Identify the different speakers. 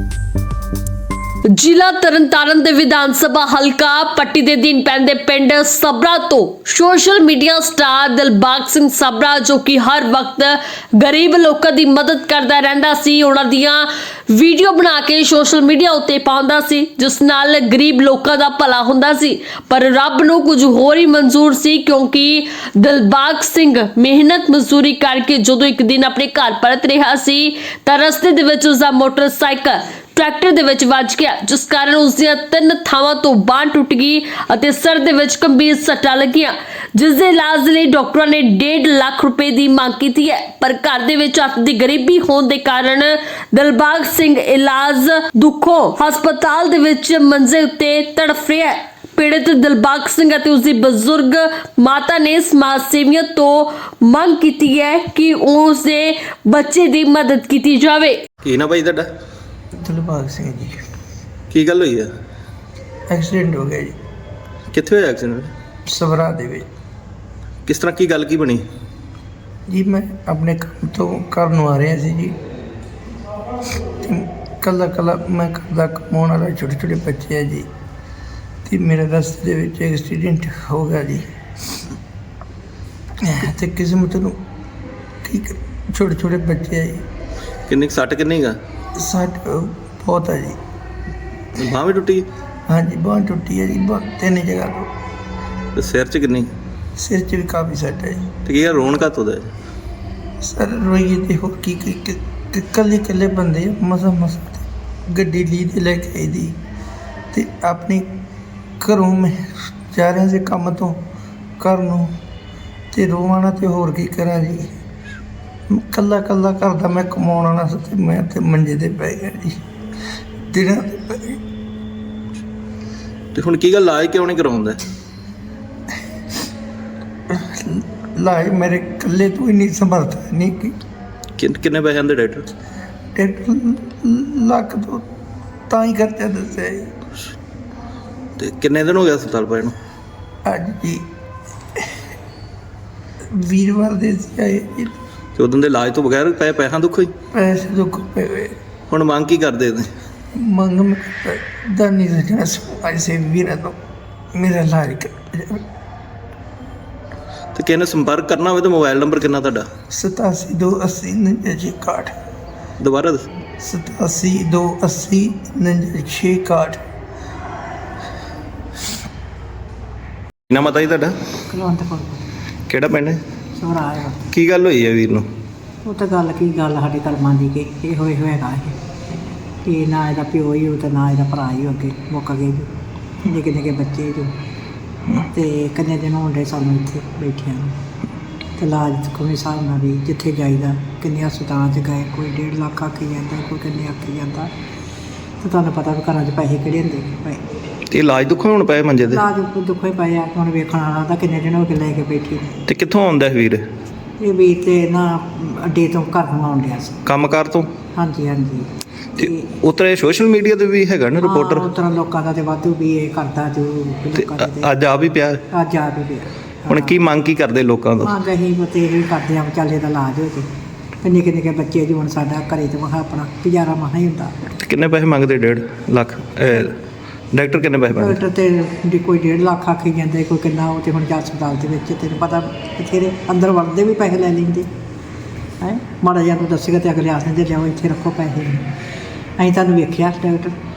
Speaker 1: ਜ਼ਿਲ੍ਹਾ ਤਰਨਤਾਰਨ ਦੇ ਵਿਧਾਨ ਸਭਾ ਹਲਕਾ ਪੱਟੀ ਦੇ ਦਿਨ ਪੈਂਦੇ ਪਿੰਡ ਸਬਰਾ ਤੋਂ social media star Dilbagh Singh Sabra, ਜੋ ਕਿ ਹਰ ਵਕਤ ਗਰੀਬ ਲੋਕਾਂ ਦੀ ਮਦਦ ਕਰਦਾ ਰਹਿੰਦਾ ਸੀ, ਉਹਨਾਂ ਦੀਆਂ ਵੀਡੀਓ ਬਣਾ ਕੇ ਸੋਸ਼ਲ ਮੀਡੀਆ ਉੱਤੇ ਪਾਉਂਦਾ ਸੀ, ਜਿਸ ਨਾਲ ਗਰੀਬ ਲੋਕਾਂ ਦਾ ਭਲਾ ਹੁੰਦਾ ਸੀ। ਪਰ ਰੱਬ ਨੂੰ ਕੁਝ ਹੋਰ ਹੀ ਮਨਜ਼ੂਰ ਸੀ, ਕਿਉਂਕਿ ਦਿਲਬਾਗ ਸਿੰਘ ਮਿਹਨਤ ਮਜ਼ਦੂਰੀ ਕਰਕੇ ਜਦੋਂ ਇੱਕ ਦਿਨ ਆਪਣੇ ਘਰ ਪਰਤ ਰਿਹਾ ਸੀ ਤਾਂ ਰਸਤੇ ਦੇ ਵਿੱਚ ਉਸਦਾ ਮੋਟਰਸਾਈਕਲ ਟਰੈਕਟਰ ਦੇ ਵਿੱਚ ਵੱਜ ਗਿਆ, ਜਿਸ ਕਾਰਨ ਉਸ ਦੀਆਂ 3 ਥਾਵਾਂ ਤੋਂ ਬਾਂਹ ਟੁੱਟ ਗਈ ਅਤੇ ਸਿਰ ਦੇ ਵਿੱਚ ਗੰਭੀਰ ਸੱਟਾਂ ਲੱਗੀਆਂ, ਜਿਸ ਦੇ ਇਲਾਜ ਲਈ ਡਾਕਟਰਾਂ ਨੇ 1.5 ਲੱਖ ਰੁਪਏ ਦੀ ਮੰਗ ਕੀਤੀ ਹੈ। ਪਰ ਘਰ ਦੇ ਵਿੱਚ ਅੱਤ ਦੀ ਗਰੀਬੀ ਹੋਣ ਦੇ ਕਾਰਨ ਦਿਲਬਾਗ ਸਿੰਘ ਇਲਾਜ ਦੁੱਖੋਂ ਹਸਪਤਾਲ ਦੇ ਵਿੱਚ ਮੰਜੇ ਉੱਤੇ ਤੜਫ ਰਿਹਾ ਹੈ। ਪੀੜਤ ਦਿਲਬਾਗ ਸਿੰਘ ਅਤੇ ਉਸਦੀ ਬਜ਼ੁਰਗ ਮਾਤਾ ਨੇ ਸਮਾਜ ਸੇਵੀਆਂ ਤੋਂ ਮੰਗ ਕੀਤੀ ਹੈ ਕਿ ਉਸ ਦੇ ਬੱਚੇ ਦੀ ਮਦਦ ਕੀਤੀ ਜਾਵੇ।
Speaker 2: ਕੀ ਨਾ ਭਾਈ ਤੁਹਾਡਾ?
Speaker 3: ਦਿਲਬਾਗ ਸਿੰਘ ਜੀ।
Speaker 2: ਕੀ ਗੱਲ ਹੋਈ ਆ?
Speaker 3: ਐਕਸੀਡੈਂਟ ਹੋ ਗਿਆ ਜੀ
Speaker 2: ਕਿੱਥੇ ਹੋਇਆ ਐਕਸੀਡੈਂਟ?
Speaker 3: ਸਵਰਾ ਦੇ ਵਿੱਚ
Speaker 2: ਕਿਸ ਤਰ੍ਹਾਂ ਕੀ ਗੱਲ ਕੀ ਬਣੀ?
Speaker 3: ਜੀ ਮੈਂ ਆਪਣੇ ਕੰਮ ਤੋਂ ਘਰ ਨੂੰ ਆ ਰਿਹਾ ਸੀ ਜੀ, ਕੱਲਾ ਮੈਂ ਘਰ ਦਾ ਕਮਾਉਣ ਵਾਲਾ, ਛੋਟੇ ਛੋਟੇ ਬੱਚੇ ਆ ਜੀ, ਤੇ ਮੇਰੇ ਰਸਤੇ ਦੇ ਵਿੱਚ ਐਕਸੀਡੈਂਟ ਹੋ ਗਿਆ ਜੀ। ਤੇ ਕਿਸਮਤ ਨੂੰ ਕੀ ਛੋਟੇ ਛੋਟੇ ਬੱਚੇ ਆ ਜੀ।
Speaker 2: ਕਿੰਨੀ ਕੁ ਸੱਟ ਕਿੰਨੀ ਗਾ?
Speaker 3: ਸੱਟ ਬਹੁਤ ਹੈ ਜੀ।
Speaker 2: ਬਾਂਹ ਵੀ ਟੁੱਟੀ?
Speaker 3: ਹਾਂਜੀ, ਬਾਂਹ ਟੁੱਟੀ ਹੈ ਜੀ, ਬਹੁਤ 3 ਜਗ੍ਹਾ ਤੋਂ।
Speaker 2: ਤੇ ਸਿਰ 'ਚ ਕਿੰਨੀ?
Speaker 3: ਸਿਰ 'ਚ ਵੀ ਕਾਫੀ ਸੱਟ ਹੈ ਜੀ।
Speaker 2: ਤੇ ਕੀ ਆ ਰੋਣ ਘੱਟ ਉਹਦਾ?
Speaker 3: ਸਰ ਰੋਈਏ ਤੇ ਹੋਰ ਕੀ ਇਕੱਲੇ ਬੰਦੇ ਮਸਾਂ ਗੱਡੀ ਲਈ ਤੇ ਲੈ ਕੇ ਆਈ ਦੀ, ਤੇ ਆਪਣੀ ਘਰੋਂ ਮੈਂ ਜਾ ਰਿਹਾ ਸੀ ਕੰਮ ਤੋਂ ਘਰ ਨੂੰ, ਤੇ ਰੋਵਾਂ ਤੇ ਹੋਰ ਕੀ ਕਰਾਂ ਜੀ। ਕੱਲਾ ਘਰ ਦਾ ਮੈਂ ਕਮਾਉਣ ਵਾਲਾ ਸੀ, ਤੇ ਮੈਂ ਤੇ ਮੰਜੇ ਤੇ ਪੈ ਗਿਆ ਜੀ, ਦਿਨਾਂ ਤੇ ਪੈ ਗਿਆ।
Speaker 2: ਤੇ ਹੁਣ ਕੀ ਗੱਲ, ਇਲਾਜ ਕਿਉਂ ਨਹੀਂ ਕਰਾਉਂਦਾ?
Speaker 3: ਲਾਏ ਮੇਰੇ ਇਕੱਲੇ ਤੋਂ ਹੀ ਨਹੀਂ ਸਮਰਥ ਨਹੀਂ ਕਿ
Speaker 2: ਕਿੰਨੇ ਪੈਸੇ ਆਂਦੇ ਡਾਕਟਰ?
Speaker 3: 1.5 ਲੱਖ ਤੋਂ ਤਾਂ ਹੀ ਖਰਚਾ ਦੱਸਿਆ ਜੀ।
Speaker 2: ਤੇ ਕਿੰਨੇ ਦਿਨ ਹੋ ਗਏ ਹਸਪਤਾਲ ਪਏ ਨੂੰ?
Speaker 3: ਅੱਜ ਜੀ ਵੀਰਵਾਰ ਦੇ ਸੀ ਆਏ ਜੀ।
Speaker 2: ਤੇ ਉਦੋਂ ਦੇ ਇਲਾਜ ਤੋਂ ਬਗੈਰ ਪੈਸਿਆਂ ਦੁੱਖੋ ਹੀ
Speaker 3: ਪੈਸੇ ਦੁੱਖ ਪਏ ਹੋਏ।
Speaker 2: ਹੁਣ ਮੰਗ ਕੀ ਕਰਦੇ ਨੇ?
Speaker 3: ਮੰਗ ਮੈਂ ਦਾਨੀ ਸੱਜਣਾ ਸਮਾਜ ਸੇਵੀ ਵੀਰਾਂ ਤੋਂ ਮੇਰਾ ਇਲਾਜ ਕਰ ਜਾਵੇ।
Speaker 2: ਤੇ ਕਿਸੇ ਨੇ ਸੰਪਰਕ ਕਰਨਾ ਹੋਵੇ ਤਾਂ ਮੋਬਾਈਲ ਨੰਬਰ ਕਿੰਨਾ ਤੁਹਾਡਾ?
Speaker 3: 8728 4961।
Speaker 2: ਦੁਬਾਰਾ ਦੱਸ।
Speaker 3: 8728 4961।
Speaker 2: ਨਾ ਮਤਾ ਜੀ ਤੁਹਾਡਾ?
Speaker 4: ਕੁਲਵੰਤ ਕੌਰ
Speaker 2: ਕਿਹੜਾ ਪਿੰਡ ਹੈ?
Speaker 4: ਸਵਰਾ ਆਇਆ।
Speaker 2: ਕੀ ਗੱਲ ਹੋਈ ਹੈ ਵੀਰ ਨੂੰ?
Speaker 4: ਉਹ ਤਾਂ ਗੱਲ ਕੀ ਗੱਲ ਸਾਡੇ ਕਰਮਾਂ ਦੀ ਕਿ ਇਹ ਹੋਏ ਹੋਏਗਾ ਇਹ ਨਾ ਇਹਦਾ ਪਿਓ ਹੀ ਹੋ ਤੇ ਨਾ ਇਹਦਾ ਭਰਾ ਹੀ ਹੋ, ਅੱਗੇ ਮੁੱਕ ਗਏ ਜੀ, ਨਿੱਕੇ ਨਿੱਕੇ ਬੱਚੇ ਜੋ, ਤੇ ਕਿੰਨੇ ਦਿਨ ਹੋਣ ਡੇ ਸਾਨੂੰ ਇੱਥੇ ਬੈਠਿਆਂ ਨੂੰ। ਤੇ ਇਲਾਜ ਕੋਈ ਹਿਸਾਬ ਨਾਲ ਵੀ ਜਿੱਥੇ ਜਾਈਦਾ, ਕਿੰਨੇ ਹਸਪਤਾਲਾਂ 'ਚ ਗਏ, ਕੋਈ 1.5 ਲੱਖ ਆਖੀ ਜਾਂਦਾ, ਕੋਈ ਕਿੰਨੇ ਆਖੀ ਜਾਂਦਾ, ਤੇ ਤੁਹਾਨੂੰ ਪਤਾ ਵੀ ਘਰਾਂ 'ਚ ਪੈਸੇ ਕਿਹੜੇ ਹੁੰਦੇ ਪਏ।
Speaker 2: ਤੇ ਇਲਾਜ ਦੁੱਖੋਂ ਹੁਣ ਪਏ ਮੰਜੇ ਤੇ?
Speaker 4: ਇਲਾਜ ਦੁੱਖੋਂ ਹੀ ਪਏ ਆ, ਹੁਣ ਵੇਖਣ ਵਾਲਾ ਤਾਂ ਕਿੰਨੇ ਦਿਨ ਹੋ ਕੇ ਲੈ ਕੇ ਬੈਠੀ ਨੇ।
Speaker 2: ਤੇ ਕਿੱਥੋਂ ਆਉਂਦਾ ਹੈ ਵੀਰ?
Speaker 4: ਇਹ ਵੀ ਤੇ ਨਾ ਅੱਡੇ ਤੋਂ ਘਰ ਨੂੰ ਆਉਣ ਡਿਆ ਸੀ।
Speaker 2: ਕੰਮਕਾਰ ਤੋਂ?
Speaker 4: ਹਾਂਜੀ।
Speaker 2: ਤੇ ਉਤਰੇ ਸੋਸ਼ਲ ਮੀਡੀਆ ਤੇ ਵੀ ਹੈਗਾ ਨਾ ਰਿਪੋਰਟਰ?
Speaker 4: ਉਸ ਤਰ੍ਹਾਂ ਲੋਕਾਂ ਦਾ ਤੇ ਵਾਧੂ ਵੀ ਇਹ ਕਰਦਾ ਜੋ
Speaker 2: ਤੇ
Speaker 4: ਲੋਕਾਂ ਦੇ
Speaker 2: ਅੱਜ ਆ ਵੀ ਪਿਆ?
Speaker 4: ਅੱਜ ਆ ਵੀ ਪਿਆ।
Speaker 2: ਹੁਣ ਕੀ ਮੰਗ ਕੀ ਕਰਦੇ ਲੋਕਾਂ ਤੋਂ?
Speaker 4: ਮੰਗ ਅਸੀਂ ਬਤੇ ਇਹ ਕਰਦੇ ਆ ਵਿਚਾਲੇ ਦਾ ਇਲਾਜ ਹੋ ਜੇ, ਤੇ ਨਿੱਕੇ ਨਿੱਕੇ ਬੱਚੇ ਜੀ ਹੁਣ ਸਾਡਾ ਘਰੇ ਤੇ ਮਹਾ ਆਪਣਾ ਗੁਜ਼ਾਰਾ ਮਹਾ ਹੀ ਹੁੰਦਾ।
Speaker 2: ਤੇ ਕਿੰਨੇ ਪੈਸੇ ਮੰਗਦੇ? 1.5 ਲੱਖ? ਡਾਕਟਰ ਕਿੰਨੇ ਪੈਸੇ ਮੰਗਦੇ?
Speaker 4: ਡਾਕਟਰ ਤੇ ਕੋਈ 1.5 ਲੱਖ ਆਖੀ ਜਾਂਦੇ, ਕੋਈ ਕਿੰਨਾ, ਉਹ ਤੇ ਹੁਣ ਜਾ ਹਸਪਤਾਲ ਦੇ ਵਿੱਚ ਤੈਨੂੰ ਪਤਾ ਬਥੇਰੇ ਅੰਦਰ ਵੜਦੇ ਵੀ ਪੈਸੇ ਲੈ ਲੈਂਦੇ ਹੈ। ਮਾੜਾ ਜਿਹਾ ਨੂੰ ਦੱਸੇਗਾ ਤੇ ਅਗਲੇ ਆਖ ਦਿੰਦੇ ਲਿਆਓ ਇੱਥੇ ਰੱਖੋ ਪੈਸੇ। ਅਸੀਂ ਤੁਹਾਨੂੰ ਵੇਖਿਆ ਡਾਕਟਰ